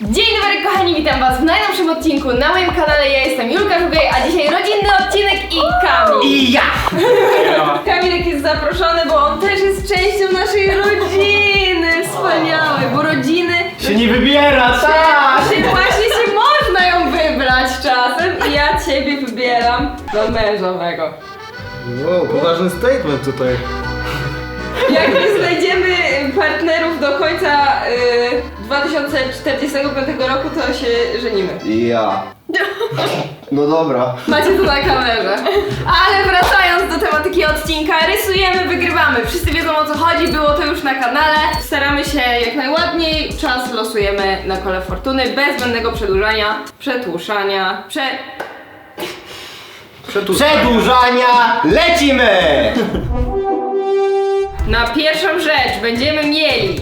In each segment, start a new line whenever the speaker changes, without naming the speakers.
Dzień dobry kochani, witam was w najnowszym odcinku na moim kanale. Ja jestem Julka Żugaj, a dzisiaj rodzinny odcinek i Kamil.
I ja!
Kamilek jest zaproszony, bo on też jest częścią naszej rodziny. Wspaniałe, bo rodziny
Się nie wybiera, tak!
właśnie się można ją wybrać czasem i ja ciebie wybieram do męża mego.
Wow, poważny statement tutaj.
Jak nie znajdziemy partnerów do końca 2045 roku, to się żenimy.
Ja. No dobra.
Macie to na kamerze. Ale wracając do tematyki odcinka, rysujemy, wygrywamy. Wszyscy wiedzą o co chodzi, było to już na kanale. Staramy się jak najładniej, czas losujemy na kole fortuny, bez zbędnego przedłużania.
Przedłużania, lecimy!
Na pierwszą rzecz będziemy mieli...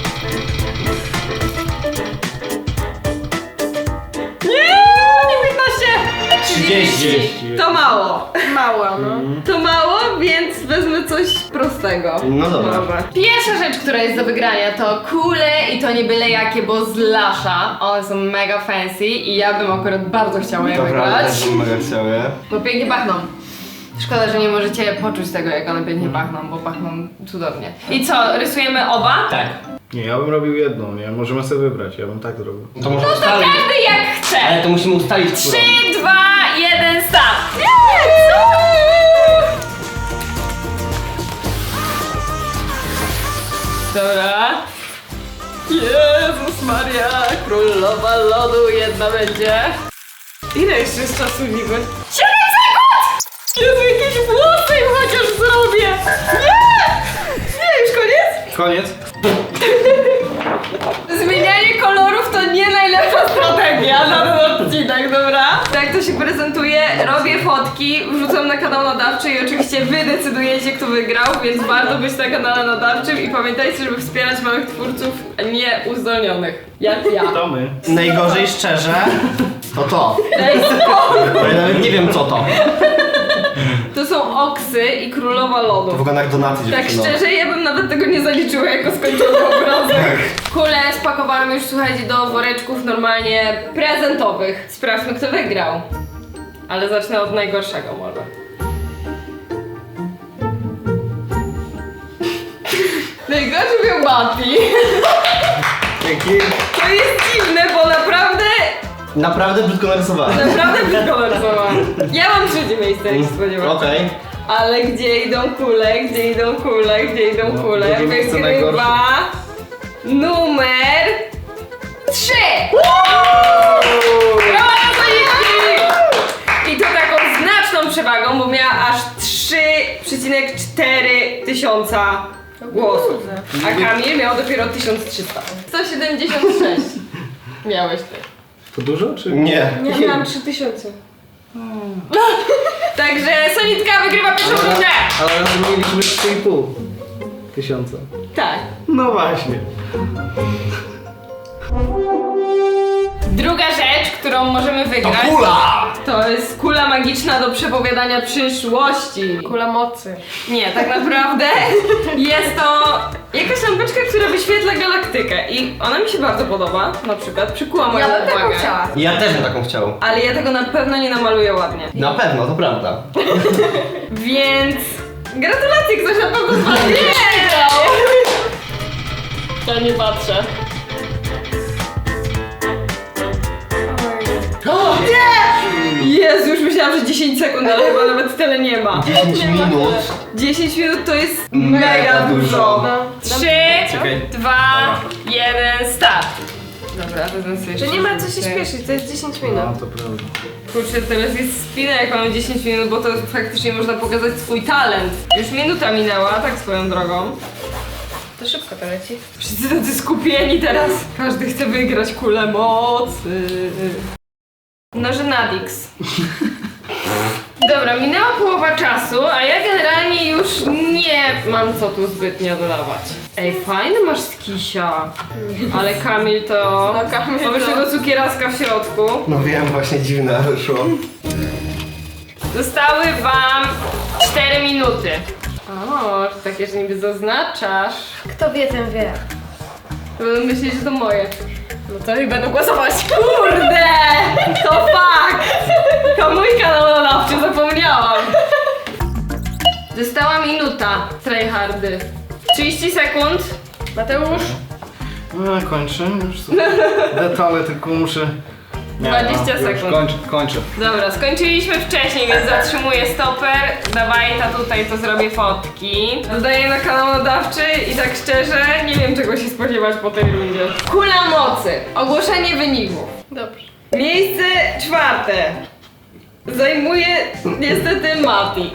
Nie 15!
30.
To mało. Mało, no. To mało, więc wezmę coś prostego.
No dobra.
Pierwsza rzecz, która jest do wygrania, to kule i to nie byle jakie, bo z Lasha. One są mega fancy i ja bym akurat bardzo chciała je
Dobra,
wygrać.
też bym mega chciał, nie?
Bo pięknie pachną. Szkoda, że nie możecie poczuć tego, jak one pięknie pachną, bo pachną cudownie. I co, rysujemy oba?
Tak.
Nie, ja bym robił jedną, nie? Możemy sobie wybrać, ja bym tak zrobił.
To może
To
ustalić.
każdy jak chce.
Ale to musimy ustalić,
3,
którą.
2, 1, start! Dobra. Jezus Maria, królowa lodu jedna będzie. Ile jeszcze jest czasu niby? 7 sekund! Jezu, jakieś włosy im chociaż zrobię! Nie! Nie, już koniec?
Koniec?
Zmienianie kolorów to nie najlepsza strategia na ten odcinek, dobra? Tak to się prezentuje, robię fotki, wrzucam na kanał nadawczy i oczywiście wy decydujecie, kto wygrał, więc warto być na kanale nadawczym i pamiętajcie, żeby wspierać małych twórców nieuzdolnionych. Jak ja.
To my.
Najgorzej szczerze, to.
Ej,
Bo ja nawet nie wiem co to.
to są oksy i królowa
To
lodu.
wygląda jak donaty,
Tak
dziewczyno.
szczerze, ja bym nawet tego nie zaliczyła jako skończony obrazek. Kule spakowałam już, słuchajcie, do woreczków normalnie prezentowych. Sprawdźmy, kto wygrał. Ale zacznę od najgorszego może. Najgorszy był Mati.
Dzięki.
To jest dziwne, bo naprawdę
Naprawdę brzydko narysowałem.
brzydko narysowałam. Ja mam trzecie miejsce, jak się spodziewam.
Okej.
Ale gdzie idą kule, gdzie idą kule, gdzie idą
No,
kule?
drugie miejsce
Wygrywa numer 3! Brawa, Soniki! I to taką znaczną przewagą, bo miała aż 3,4 tysiąca głosów. A Kamil miał dopiero 1300. 176 miałeś ty.
To dużo, czy?
Nie.
Ja miałam 3000. Także Sonitka wygrywa pierwszą rundę!
Ale razem mieliśmy 3,5 tysiąca.
Tak.
No właśnie.
Druga rzecz, którą możemy
To
wygrać,
kula!
to jest kula magiczna do przepowiadania przyszłości.
Kula mocy.
Nie, tak naprawdę jest to jakaś lampeczka, która wyświetla galaktykę i ona mi się bardzo podoba, na przykład przykuła moją
Ja bym taką
uwagę.
chciała.
Ja też bym taką chciał.
Ale ja tego na pewno nie namaluję ładnie.
Na pewno, to prawda.
Więc gratulacje, ktoś na pewno z was wygrał. Ja nie patrzę. O, nie! Jezu, już myślałam, że 10 sekund, ale chyba nawet tyle nie ma.
10 minut.
10 minut to jest
Mega
mega
dużo.
dużo.
No.
3,
Czekaj.
2, 1, start. Dobra, wezmę sobie
To
jeszcze.
nie ma co się śpieszyć, to jest 10 minut.
No to prawda.
Kurczę, teraz jest spina, jak mamy 10 minut, bo to faktycznie można pokazać swój talent. Już minuta minęła, tak swoją drogą.
To szybko to leci.
Wszyscy tacy skupieni teraz. Każdy chce wygrać kulę mocy. Noże Nadix. Dobra, minęła połowa czasu, a ja generalnie już nie mam co tu zbytnio dodawać. Ej, fajny masz skisia. Ale Kamil to...
No, Kamil
Mamy
to-
tego cukieraska w środku.
No wiem, właśnie dziwne, ale szło.
Zostały wam 4 minuty. O, takie, że niby zaznaczasz.
Kto wie, ten wie.
To będą myśleć, że to moje.
No to i będą głosować.
Kurde! To fakt! To mój kanał nadawczy, zapomniałam. Została minuta, tryhardy. 30 sekund.
Mateusz?
No, kończę. Już są detale, tylko muszę...
20
już
sekund.
Kończę.
Dobra, skończyliśmy wcześniej, więc zatrzymuję stoper. Dawaj, ta tutaj to zrobię fotki. Dodaję na kanał nadawczy i tak szczerze nie wiem czego się spodziewać po tej rundzie. Kula mocy. Ogłoszenie wyników.
Dobrze.
Miejsce 4 zajmuje niestety Mati.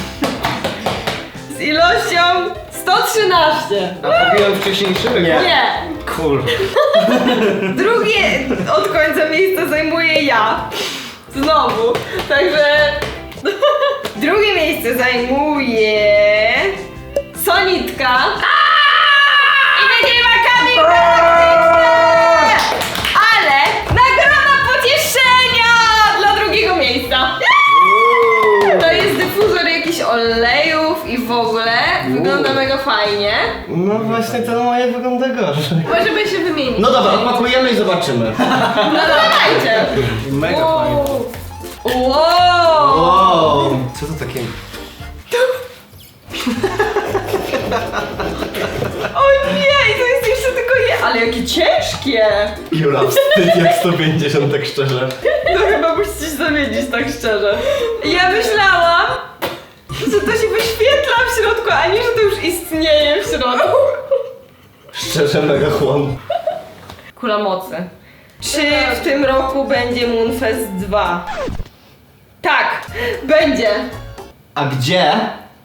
Z ilością 113.
A pobiłem wcześniejszy?
Nie.
Cool.
Drugie od końca miejsce zajmuję ja. Znowu. Także drugie miejsce zajmuje Sonitka. I wygrywa Kamil Praktyczny! Ale nagroda pocieszenia dla drugiego miejsca. To jest dyfuzor jakichś olejów i w ogóle. Wygląda mega fajnie.
No właśnie to moje wygląda gorzej.
Możemy się wymienić.
No dobra, odpakujemy i zobaczymy.
No dawajcie.
Mega fajnie.
Wow.
Wow! Co to takie?
O nie, i to jest jeszcze tylko ale jakie ciężkie!
Jula, wstyd jak 150, tak szczerze.
No chyba musicie się dowiedzieć, tak szczerze. Ja myślałam, że to się wyświetla w środku, a nie, że to już istnieje w środku.
Szczerze, mega chłon.
Kula mocy. Czy w tym roku będzie Moonfest 2? Tak, będzie.
A gdzie?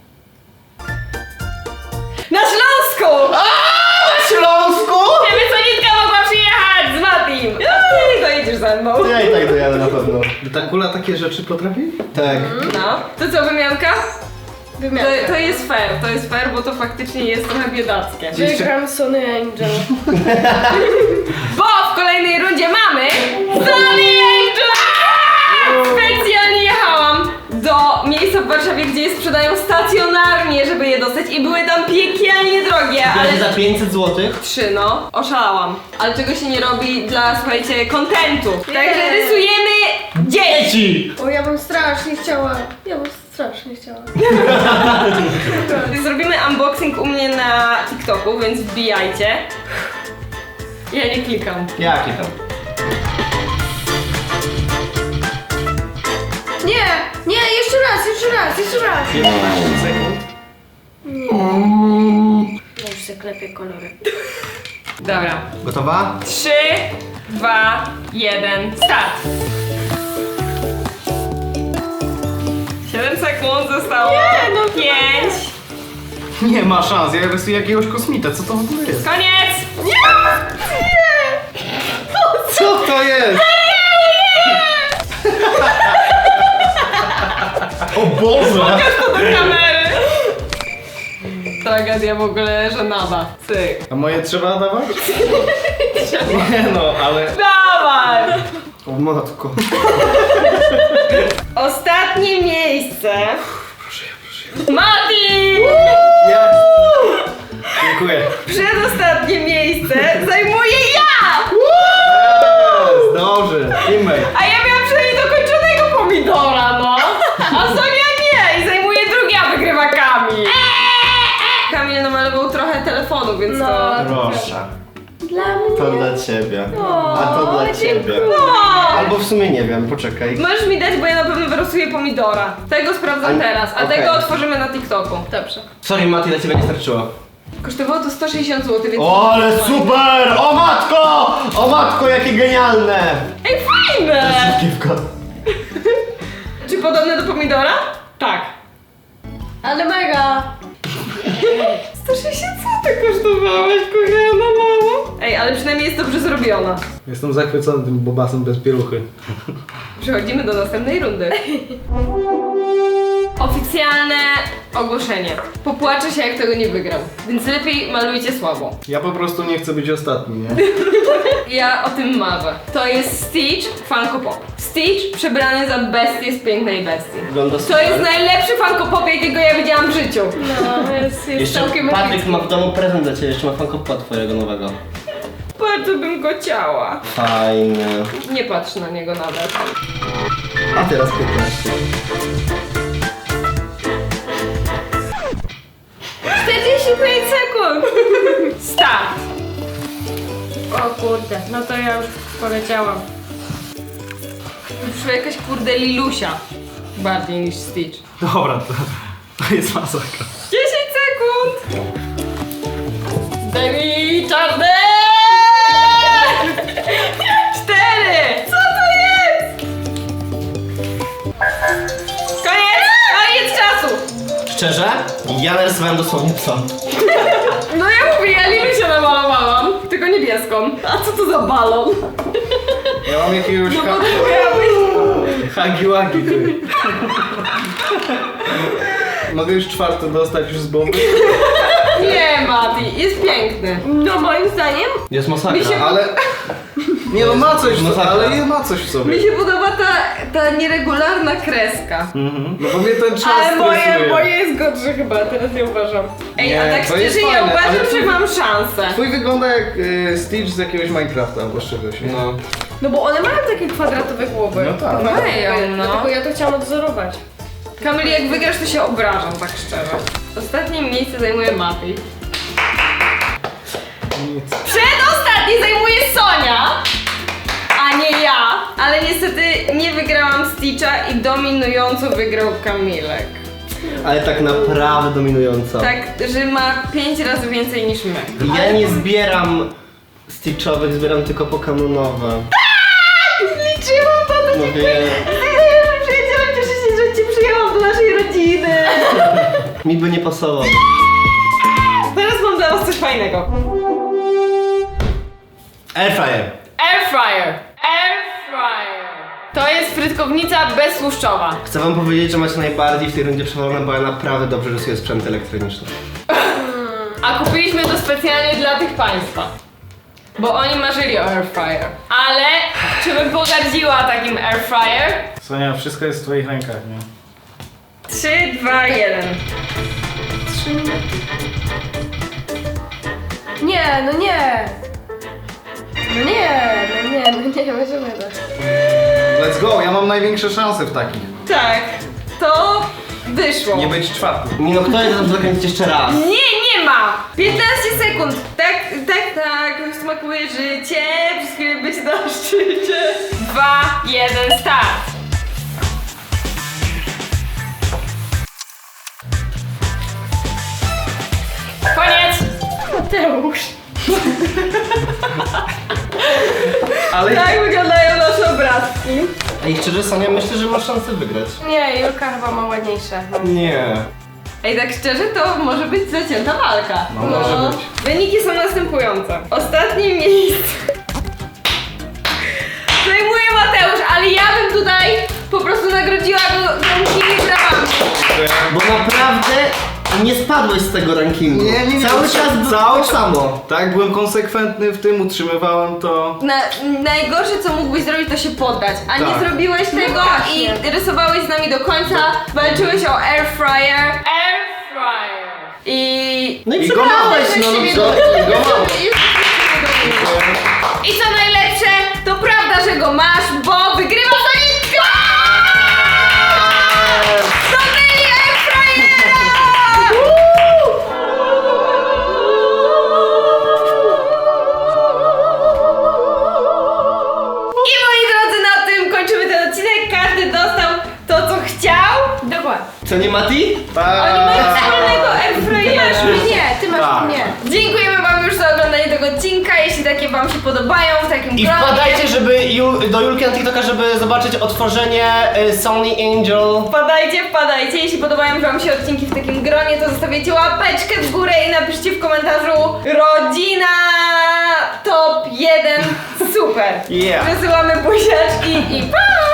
Na Śląsku!
Na Śląsku?
Żeby Sonitka mogła przyjechać z Matim. A ty dojedziesz ze mną.
Ja i tak dojadę na pewno.
Ta kula takie rzeczy potrafi?
Tak.
No, to co, wymianka?
Wymianka.
To jest fair, bo to faktycznie jest trochę biedackie.
Wygram Sony Angel.
Bo w kolejnej rundzie mamy Sony Angel! Specjalnie jechałam do miejsca w Warszawie, gdzie je sprzedają stacjonarnie, żeby je dostać i były tam piekielnie drogie, ale...
Ale za 500 zł?
3 no, oszalałam. Ale czego się nie robi dla, słuchajcie, kontentu. Także
Nie.
rysujemy dzieci!
Ci!
O, ja bym strasznie chciała. Ja bym strasznie chciała.
Zrobimy unboxing u mnie na TikToku, więc wbijajcie. Ja nie klikam.
Jaki tam?
Nie, jeszcze raz.
15 sekund.
Ja już sobie klepię kolory.
Dobra.
Gotowa?
3, 2, 1, start! 7 sekund zostało. Nie, no 5.
Nie ma szans, ja rysuję jakiegoś kosmita, co to w ogóle jest?
Koniec!
Co to jest?
O Boże!
Pokaż to do kamery! Tragedia w ogóle, że nada. Cyk.
A moje trzeba dawać? Nie no, ale...
Dawaj!
O matko.
Ostatnie miejsce. Mati!
Ja... Dziękuję.
Przedostatnie miejsce zajmuję ja!
Jest, dobrze. Teammate.
A ja miałam przynajmniej dokończonego pomidora, no! A Sonia nie! I zajmuje drugie, a wygrywa Kamil. Kamil namalował trochę telefonu, więc
No.
to...
Proszę.
Dla mnie.
To dla ciebie. A to dla ciebie.
O!
Albo w sumie nie wiem, poczekaj.
Możesz mi dać, bo ja na pewno wyrosuję pomidora. Tego sprawdzam
A-
teraz, a
okej.
tego otworzymy na TikToku.
Dobrze.
Sorry Mati, dla ciebie nie starczyło.
Kosztowało to 160 zł, więc...
O, ale super! O matko! O matko, jakie genialne!
Ej, fajne!
Kiwko.
Czy podobne do pomidora? Tak.
Ale mega.
160 zł kosztowałaś, kochana mamo. Ej, ale przynajmniej jest dobrze zrobiona.
Jestem zachwycony tym bobasem bez pieluchy.
Przechodzimy do następnej rundy. Oficjalne ogłoszenie. Popłaczę się, jak tego nie wygram. Więc lepiej malujcie słabo.
Ja po prostu nie chcę być ostatni, nie?
Ja o tym marzę. To jest Stitch Funko Pop. Stitch przebrany za bestię z Pięknej Bestii.
Wygląda
To
super.
jest najlepszy Funko Pop, jakiego ja widziałam w życiu.
No, jest
Jeszcze
całkiem
Patryk
epicki.
ma w domu prezent dla ciebie, jeszcze ma Funko Popa twojego nowego.
Bardzo bym go chciała.
Fajnie.
Nie patrz na niego nawet.
A teraz 15.
45 sekund! Start!
O kurde.
No to ja już poleciałam. Przyszła jakaś kurde Lilusia. Bardziej niż Stitch.
Dobra, to jest masakra.
10 sekund! Daj mi czarny! 4! Co to jest? Koniec czasu!
Szczerze? Ja narysowałem dosłownie psa.
No ja mówię, ja Lilusię namalowałam. Tylko niebieską. A co to za balon?
Ja mam jakiegoś
No bo to miała
hagi-wagi, ty. Mogę już czwarte dostać już z bomby?
Nie, Mati, jest piękny.
No moim zdaniem
Jest masakra.
Mi się-
Ale... Nie no, ma coś w sobie,
Masakra.
ale ma coś w sobie.
Mi się podoba ta nieregularna kreska.
No bo mnie ten czas
Ale
stresuje.
moje jest gorsze chyba, teraz nie uważam. Ej,
Nie,
a tak
to jest
szczerze ja
fajne,
uważam,
ale
że
twój-
mam szansę.
Twój wygląda jak Stitch z jakiegoś Minecrafta albo z czegoś, nie?
No.
No bo one mają takie kwadratowe głowy.
No tak.
Mają, no.
Dlatego ja to chciałam odzorować.
Kamil, jak wygrasz, to się obrażam, tak szczerze. Ostatnie miejsce zajmuje Mati.
Nic.
Przedostatni zajmuje Sonia, a nie ja. Ale niestety nie wygrałam Stitcha i dominująco wygrał Kamilek.
Ale tak naprawdę dominująco.
Tak, że ma 5 razy więcej niż my.
Ja nie zbieram stitchowych, zbieram tylko pokanonowe.
Liczyłam to,
No wiem.
Przyjacielem, cieszę się, że cię przyjęłam do naszej rodziny.
Mi by nie pasował.
Teraz mam dla was coś fajnego.
Airfryer.
Air fryer. Air fryer. To jest frytkownica beztłuszczowa.
Chcę wam powiedzieć, że macie najbardziej w tej rundzie przewalone, bo ja naprawdę dobrze rysuję sprzęt elektroniczny.
A kupiliśmy to specjalnie dla tych państwa. Bo oni marzyli o air fryer. Ale czy bym pogardziła takim air fryer?
Sonia, wszystko jest w twoich rękach, nie?
3, 2, 1.
3 minuty. Nie, no nie. No nie, możemy dać.
Let's go, ja mam największe szanse w takich.
Tak, to wyszło.
Nie być czwartym.
Nie no, kto jest tam zakręcić jeszcze raz?
Nie ma! 15 sekund! Tak, smakuje życie, przez chwilę być na szczycie. 2, 1, start! Koniec!
Mateusz.
Ale
Tak wyglądają nasze obrazki.
Ej, szczerze, Sonia, myślę, że masz szansę wygrać.
Nie, Julka chyba ma ładniejsze.
Nie.
Ej, tak szczerze, to może być zacięta walka.
No, może być.
Wyniki są następujące. Ostatnie miejsce zajmuje Mateusz, ale ja bym tutaj po prostu nagrodziła go gromkimi brawami.
Bo naprawdę nie spadłeś z tego rankingu.
Nie.
Cały czas było
Cały
to samo.
tak, byłem konsekwentny w tym, utrzymywałem to.
Najgorsze, co mógłbyś zrobić, to się poddać, a nie
Tak.
zrobiłeś tego
właśnie.
i rysowałeś z nami do końca. Walczyłeś o air fryer. Air fryer. I...
No i
I go
przegrałeś,
małeś,
no.
no, i go małeś.
I co najlepsze, to prawda, że go masz, bo wygrywa Soniczka! Zdobyli Airfryera! I moi drodzy, na tym kończymy ten odcinek. Każdy dostał to, co chciał.
Dokładnie.
Co, nie Mati?
Oni mają wspólnego Airfryera.
Nie, ty masz
Tak.
mnie.
Dziękujemy wam już za oglądanie tego odcinka. Jeśli takie wam się podobają w takim
I
gronie.
wpadajcie, żeby do Julki na TikToka, żeby zobaczyć otworzenie Sony Angel.
Wpadajcie. Jeśli podobają wam się odcinki w takim gronie, to zostawiacie łapeczkę w górę i napiszcie w komentarzu rodzina top 1 super.
Yeah.
Wysyłamy buziaczki i pa!